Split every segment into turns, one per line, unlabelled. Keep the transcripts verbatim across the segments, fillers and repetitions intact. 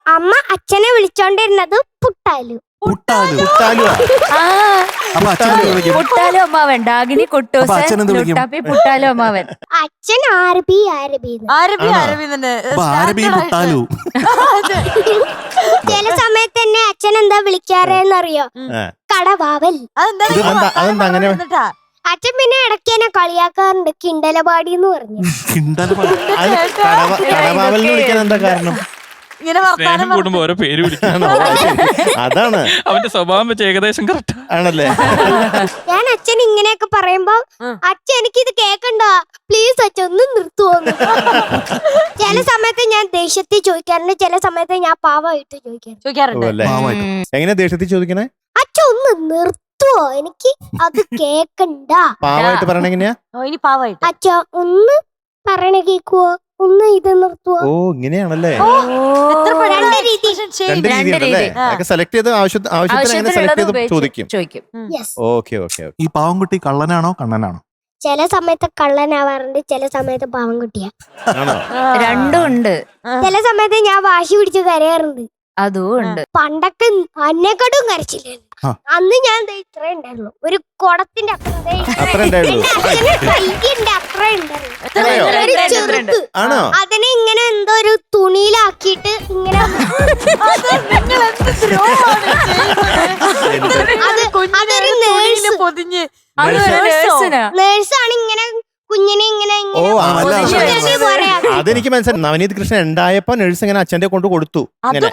അമ്മ അച്ഛനെ വിളിച്ചോണ്ടിരുന്നത് പുട്ടാലു.
പുട്ടാലു പുട്ടാലു അപ്പൊ അച്ഛനെ വിളിക്കും
പുട്ടാലു അമ്മാവൻ. ഡാഗിനി കുട്ടൂസൻ, ലുട്ടാപ്പി പുട്ടാലു അമ്മാവൻ.
അച്ഛൻ ആരബി ആരബി
ആരബി ആരബി തന്നെ.
അപ്പൊ ആരബി പുട്ടാലു.
ചില സമയത്ത് തന്നെ അച്ഛൻ എന്താ വിളിക്കാറെന്നറിയോ? കടവാവൽ.
അതെന്താ അങ്ങനെ?
അച്ഛൻ പിന്നെ ഇടയ്ക്ക് എന്നെ കളിയാക്കാറുണ്ട് കിണ്ടലപാടി എന്ന് പറഞ്ഞു.
കടവാവൽ വിളിക്കാൻ എന്താ കാരണം?
സ്നേഹം കൂടുമ്പോ ഓരോ പേര് വിളിക്കണം.
അതാണ്
അവന്റെ സ്വഭാവം വെച്ച് ഏകദേശം കറക്റ്റ്
ആണല്ലേ.
ഞാൻ അച്ഛൻ ഇങ്ങനെയൊക്കെ പറയുമ്പോ അച്ഛൻ എനിക്കിത് കേക്കണ്ട പ്ലീസ് അച്ഛൻ ഒന്ന് നിർത്തുവോന്ന്. ചില സമയത്ത് ഞാൻ ദേഷ്യത്തിൽ ചോദിക്കാറുണ്ട്, ചില സമയത്ത് ഞാൻ പാവമായിട്ട് ചോദിക്കാറുണ്ട്.
എങ്ങനെ ദേഷ്യത്തിൽ ചോദിക്കണേ?
അച്ഛൻ ഒന്ന് നിർത്തുവോ, എനിക്ക് അത് കേക്കണ്ട.
പാവമായിട്ട് പറയണ എങ്ങനെയാ?
അച്ഛ ഒന്ന് പറയണ കേക്കുവോ, ഒന്ന് ഇത് നിർത്തുവോ.
ഓ ഇങ്ങനെയാണല്ലേ.
രണ്ട് രീതി.
രണ്ട് രീതിയുണ്ടല്ലേ. സെലക്ട് ചെയ്ത് ആവശ്യത്തിന് എങ്ങനെ സെലക്ട് ചെയ്ത് ചോദിക്കും. Okay okay.
ഈ പാവൻകുട്ടി കള്ളനാണോ കണ്ണനാണോ?
ചില സമയത്ത് കള്ളനാവാറുണ്ട്, ചില സമയത്ത് പാവം കുട്ടിയാ.
രണ്ടും ഉണ്ട്.
ചില സമയത്ത് ഞാൻ വാശി പിടിച്ച് കരയാറുണ്ട്.
അതും ഉണ്ട്.
പണ്ടൊക്കെ അന്നെക്കാട്ടും കരച്ചില്ലായിരുന്നു. അന്ന് ഞാൻ ഇത്ര ഉണ്ടായിരുന്നു, ഒരു കുടത്തിന്റെ അത്ര അത്ര ഉണ്ടായിരുന്നു. അതിനെ ഇങ്ങനെ എന്തോ ഒരു തുണിയിലാക്കിയിട്ട് ഇങ്ങനെ അതൊരു നേഴ്സാണ് ഇങ്ങനെ കുഞ്ഞിനെ ഇങ്ങനെ.
അതെനിക്ക് മനസ്സിലായി. നവനീത് കൃഷ്ണൻ ഉണ്ടായപ്പോ നഴ്സ് ഇങ്ങനെ അച്ഛന്റെ കൊണ്ട് കൊടുത്തു.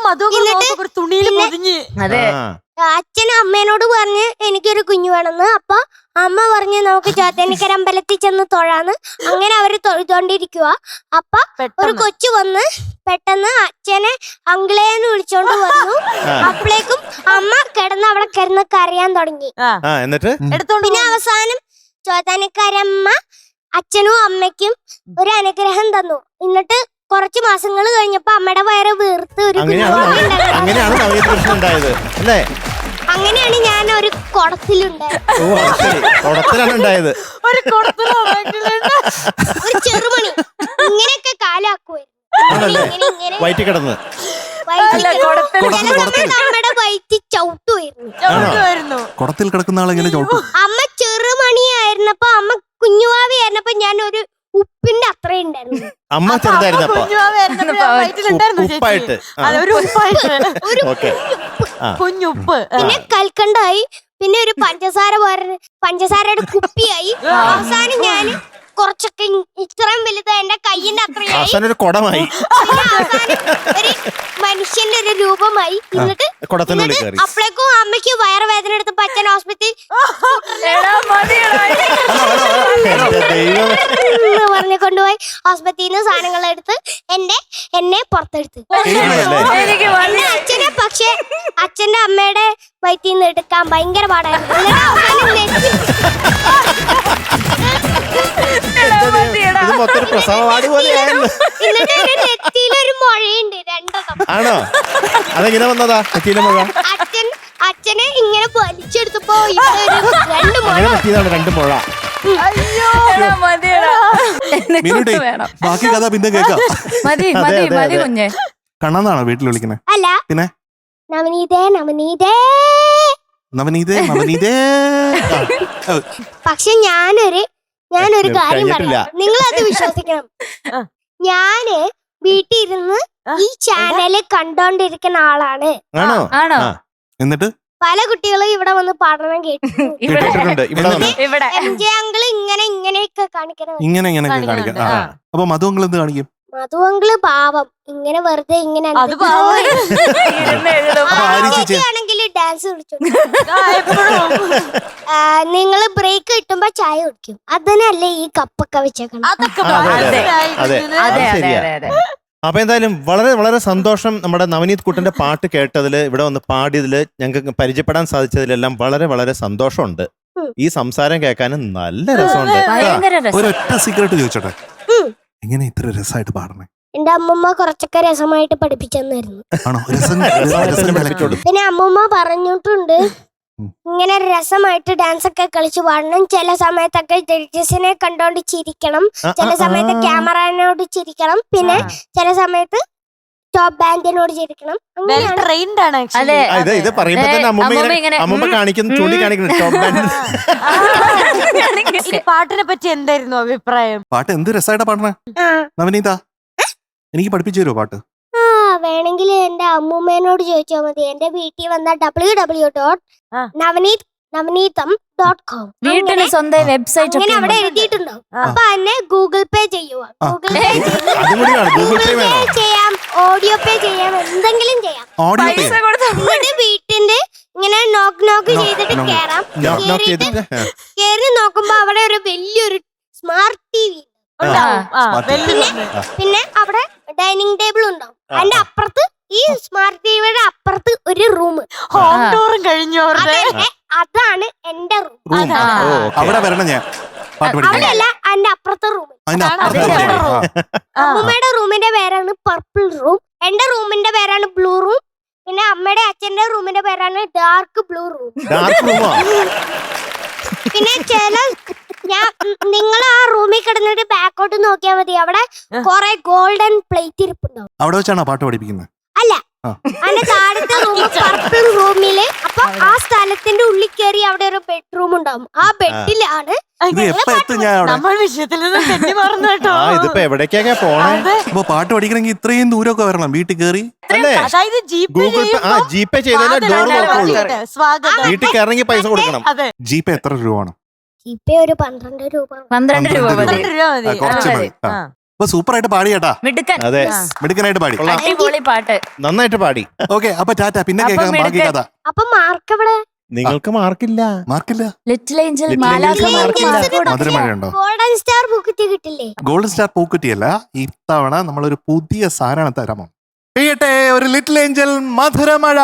അച്ഛൻ അമ്മേനോട് പറഞ്ഞ് എനിക്കൊരു കുഞ്ഞു വേണമെന്ന്. അപ്പൊ അമ്മ പറഞ്ഞ് നമുക്ക് ചോത്തനിക്കര അമ്പലത്തിൽ ചെന്ന് തൊഴാന്ന്. അങ്ങനെ അവര് തൊഴുതോണ്ടിരിക്കുക. അപ്പൊ ഒരു കൊച്ചു വന്ന് പെട്ടെന്ന് അച്ഛനെ അങ്കിളേന്ന് വിളിച്ചോണ്ട് വന്നു. അപ്പോഴേക്കും അമ്മ കിടന്ന് അവിടെ കിടന്ന് കരയാൻ തുടങ്ങി.
എന്നിട്ട്
പിന്നെ അവസാനം ചോത്താനിക്കാരമ്മ അച്ഛനും അമ്മയ്ക്കും ഒരു അനുഗ്രഹം തന്നു. എന്നിട്ട് കുറച്ച് മാസങ്ങൾ കഴിഞ്ഞപ്പോ അമ്മയുടെ വയറ് വീർത്ത് ഒരു അങ്ങനെയാണ് ഞാൻ ഒരു കുടത്തിലുണ്ടായത്. ഒരു ചെറുമണി ഇങ്ങനെയൊക്കെ കാലാക്കുമായിരുന്നു.
വയറ്റി കിടന്ന്
നമ്മുടെ വയറ്റി ചവിട്ടുമായിരുന്നു.
കുടത്തിൽ കിടക്കുന്ന ആളെങ്ങനെ ചവിട്ടും?
അമ്മ ചെറുമണിയായിരുന്നപ്പോ, അമ്മ കുഞ്ഞുവാവിയായിരുന്നപ്പോ ഞാൻ ഒരു ഉപ്പിന്റെ അത്ര ഉണ്ടായിരുന്നു.
അമ്മ ചെറുതായിരുന്നപ്പോ
കുഞ്ഞുപ്പ്.
പിന്നെ കൽക്കണ്ടായി, പിന്നെ ഒരു പഞ്ചസാര പഞ്ചസാരയുടെ കുപ്പിയായി. അവസാനം ഞാൻ കുറച്ചൊക്കെ ഇത്രയും വലുത് എന്റെ കയ്യിന്റെ അത്രയായി.
ഒരു കുടമായി,
ഒരു മനുഷ്യന്റെ ഒരു രൂപമായി. എന്നിട്ട് അപ്പോഴേക്കും അമ്മയ്ക്ക് വയറുവേദന എടുത്തപ്പോ അച്ഛൻ ഹോസ്പിറ്റലിൽ പറഞ്ഞു കൊണ്ടുപോയി. ഹോസ്പിറ്റലിൽ നിന്ന് സാധനങ്ങൾ എടുത്ത് എന്റെ എന്നെ പുറത്തെടുത്ത്. അച്ഛനെ പക്ഷെ അച്ഛന്റെ അമ്മയുടെ വയറ്റിൽ നിന്ന് എടുക്കാൻ ഭയങ്കര പാടായിരുന്നു. നെറ്റിയിലൊരു മുഴയുണ്ട് രണ്ടെണ്ണം.
ആണോ? അതെങ്ങനെ വന്നതാ മുഴ?
അച്ഛൻ അച്ഛനെ ഇങ്ങനെ വലിച്ചെടുത്തപ്പോ രണ്ട് മുഴ.
രണ്ട് മുഴ.
ബാക്കി കഥ പിന്നെ കേൾക്കാം.
മതി മതി മതി കുഞ്ഞെ.
കണ്ണനാണോ വീട്ടിൽ വിളിക്കുന്നത്?
അല്ല,
പിന്നെ
നവനീതേ നവനീതേ
നവനീതേ നവനീതേ.
പക്ഷെ ഞാനൊരു ഞാനൊരു കാര്യം പറയാം, നിങ്ങളത് വിശ്വസിക്കണം. ഞാന് വീട്ടിൽ ഇരുന്ന് ഈ ചാനല് കണ്ടോണ്ടിരിക്കുന്ന ആളാണ്.
ആണോ?
എന്നിട്ട്
പല കുട്ടികളും ഇവിടെ വന്ന് പഠനം കേട്ടിട്ടുണ്ട്. എം ജെ അങ്കിള് ഇങ്ങനെ ഇങ്ങനെയൊക്കെ കാണിക്കണം.
ഇങ്ങനെ ഇങ്ങനെ കാണിക്കാം. അപ്പൊ മധു അങ്കിൾ എന്ത് കാണിക്കും?
മധു അങ്കിള് പാവം ഇങ്ങനെ വെറുതെ ഇങ്ങനെ ആണെങ്കിൽ ഡാൻസ് കളിച്ചു. നിങ്ങള് ബ്രേക്ക് കിട്ടുമ്പോ ചായ കുടിക്കും. അതിനല്ലേ ഈ കപ്പൊക്കെ വെച്ചേക്കണം.
അപ്പൊ എന്തായാലും വളരെ വളരെ സന്തോഷം. നമ്മുടെ നവനീത് കുട്ടന്റെ പാട്ട് കേട്ടതില്, ഇവിടെ വന്ന് പാടിയതില്, ഞങ്ങൾക്ക് പരിചയപ്പെടാൻ സാധിച്ചതിലെല്ലാം വളരെ വളരെ സന്തോഷമുണ്ട്. ഈ സംസാരം കേൾക്കാനും നല്ല രസമുണ്ട്.
ഒരൊറ്റ സീക്രട്ട് ചോദിച്ചോട്ടെ, എങ്ങനെ ഇത്ര രസമായിട്ട് പാടണേ?
എന്റെ അമ്മൂമ്മ കുറച്ചൊക്കെ രസമായിട്ട് പഠിപ്പിച്ചെന്നായിരുന്നു.
ആണോ?
പിന്നെ അമ്മൂമ്മ പറഞ്ഞിട്ടുണ്ട് ഇങ്ങനെ രസമായിട്ട് ഡാൻസ് ഒക്കെ കളിച്ചു പാടണം. ചില സമയത്തൊക്കെ ജഡ്ജസിനെ കണ്ടോണ്ട് ചിരിക്കണം, ചില സമയത്ത് ക്യാമറനോട് ചിരിക്കണം, പിന്നെ ചില സമയത്ത് സ്റ്റോപ്പ് ബാൻഡിനോട് ചിരിക്കണം.
വെൽ
അങ്ങനെയാണ്.
ട്രെയിൻഡ് ആണ്
അതെ.
actually.
ആ, ഇത് ഇത് പറയുമ്പോ
ഏ,
തന്നെ അമ്മൂമ്മ
അമ്മൂമ്മ
ഇങ്ങനെ
ഇങ്ങനെ,
അമ്മൂമ്മ
ഉം,
കാണിക്കുന്നു ചൂണ്ടി കാണിക്കുന്നു സ്റ്റോപ്പ് ബാൻഡ്.
ഈ പാട്ടിനെ പറ്റി എന്തായിരുന്നു അഭിപ്രായം?
പാട്ട് എന്ത് രസമായിട്ടാ പാടണേ
ആ.
നവനീത. എനിക്ക് പഠിപ്പിച്ചു തരുമോ പാട്ട്?
ആ വേണമെങ്കിൽ എന്റെ അമ്മൂമ്മേനോട് ചോദിച്ചാൽ മതി. എന്റെ വീട്ടിൽ വന്ന ഡബ്ല്യൂ ഡബ്ല്യൂ ഡോട്ട്
ആ.
നവനീത് നവനീതം ഡോട്ട് കോം
വീട്ടിന് സ്വന്തം വെബ്സൈറ്റ്
അങ്ങനെ
ഒക്കെ
അവിടെ
ഉണ്ട്.
എഴുതിയിട്ടുണ്ടാവും.
ആ.
അപ്പൊ എന്നെ ഗൂഗിൾ പേ ചെയ്യുക. ഗൂഗിൾ പേ ചെയ്ത്
അതും കൂടി വേണം, ഗൂഗിൾ പേ
ഗൂഗിൾ പേ
വേണം.
ചെയ്യാം, ഓഡിയോ പേ ചെയ്യാം, എന്തെങ്കിലും ചെയ്യാം.
ഓഡിയോ
പൈസ കൊടുത്താ
എന്നിട്ട് വീട്ടിന്റെ ഇങ്ങനെ നോക്ക് നോക്ക്
Knock,
ചെയ്തിട്ട്
knock.
കേറാം.
knock knock
കേറിയിട്ട്
ചെയ്തിട്ട് ആ.
കേറി നോക്കുമ്പോ അവിടെ ഒരു വലിയൊരു സ്മാർട്ട് ടി വി
ഉണ്ടാവും. ആ,
Smart
വെൽ
പിന്നെ
ഉണ്ട്.
പിന്നെ അവിടെ ഡൈനിങ് ടേബിൾ ഉണ്ടാവും.
ആ,
അതിന്റെ
ആ.
അപ്പുറത്ത് ഈ സ്മാർട്ട് ടിവിയുടെ അപ്പുറത്ത് ഒരു റൂം.
ഹോം ടൂറും കഴിഞ്ഞു അവരുടെ.
അതാണ് എന്റെ റൂം.
റൂം
ആ.
ഓ, okay.
അവിടെ വരണം ഞാൻ പാട്ട് പഠിക്കാൻ.
അവിടെയല്ല, അതിന്റെ അപ്പുറത്തെ റൂം.
അതിന്റെ
അതാണ്
അപ്പുറത്തെ
അതിന്റെ
റൂം.
റൂം.
ആ.
ആ.
അമ്മൂമ്മയുടെ റൂമിന്റെ പേരാണ് പർപ്പിൾ റൂം. എന്റെ റൂമിന്റെ പേരാണ് ബ്ലൂ റൂം. പിന്നെ അമ്മയുടെ അച്ഛന്റെ റൂമിന്റെ പേരാണ് ഡാർക്ക് ബ്ലൂ റൂം.
ഡാർക്ക് റൂമോ?
പിന്നെ ചില ഞാൻ നിങ്ങൾ ആ റൂമിൽ കിടന്നിട്ട് ബാക്കോട്ട് നോക്കിയാൽ മതി. അവിടെ കൊറേ ഗോൾഡൻ പ്ലേറ്റ് ഇരിപ്പുണ്ടാവും.
അവിടെ വെച്ചാണോ പാട്ട് പഠിപ്പിക്കുന്നത്?
അല്ല,
ആ.
അതിന്റെ താഴത്തെ റൂം പർപ്പിൾ റൂമില്. അപ്പൊ ആ സ്ഥലത്തിന്റെ ഉള്ളിൽ കയറി അവിടെ ഒരു ബെഡ്റൂം ഉണ്ടാവും. ആ ബെഡിലാണ്
ഇത് എപ്പോ എത്തും ഞാൻ അവിടെ?
നമ്മൾ വിഷയത്തിൽ നിന്ന് തെറ്റി മറന്നു കേട്ടോ.
ആ ഇതിപ്പോ എവിടേക്കൊക്കെ പോണേ?
അതെ.
അപ്പൊ പാട്ട് പഠിക്കണമെങ്കിൽ ഇത്രയും ദൂരമൊക്കെ വരണം വീട്ടിൽ കയറി.
അല്ലേ?
അതായത് ജീപ്പ്
ഗൂഗിൾ പേ ആ ജി പേ ചെയ്താലേ ഡോർ നോക്കുള്ളൂ.
സ്വാഗതം.
വീട്ടിൽ കയറങ്ങി പൈസ കൊടുക്കണം.
അതെ.
ജീപ്പ് എത്ര രൂപയാണ്?
ഇപ്പൊ ഒരു പന്ത്രണ്ട് രൂപ.
പന്ത്രണ്ട് രൂപ മതി.
പന്ത്രണ്ട് രൂപ മതി.
ആ, കുറച്ച്
ആ,
മതി. ആ.
ആ.
അപ്പൊ സൂപ്പർ ആയിട്ട് പാടി കേട്ടാ.
മിടുക്കൻ.
അതെ,
മിടുക്കനായിട്ട് പാടി.
കൊള്ളാം.
അടിപൊളി പാട്ട്.
നന്നായിട്ട് പാടി.
ഓക്കെ, അപ്പൊ ടാറ്റ. പിന്നെ
അപ്പൊ
കേൾക്കാം ബാക്കി
മിടുക്കൻ.
കഥ.
അപ്പൊ മാർക്ക് എവിടെ?
നിങ്ങൾക്ക് മാർക്കില്ല.
മാർക്കില്ല.
ലിറ്റിൽ ഏഞ്ചൽ
Little
മാലാഖ
Angels
മാർക്കില്ല.
മാർക്കില്ല.
മധുരമഴയുണ്ടോ?
ഗോൾഡൻ സ്റ്റാർ ബുക്ക് കിട്ടില്ലേ?
ഗോൾഡൻ സ്റ്റാർ പൂക്കുറ്റിയല്ല, ഇത്തവണ നമ്മളൊരു പുതിയ സാധനം തരാമോ? പെയ്യട്ടെ ഒരു ലിറ്റിൽ ഏഞ്ചൽ മധുരമഴ.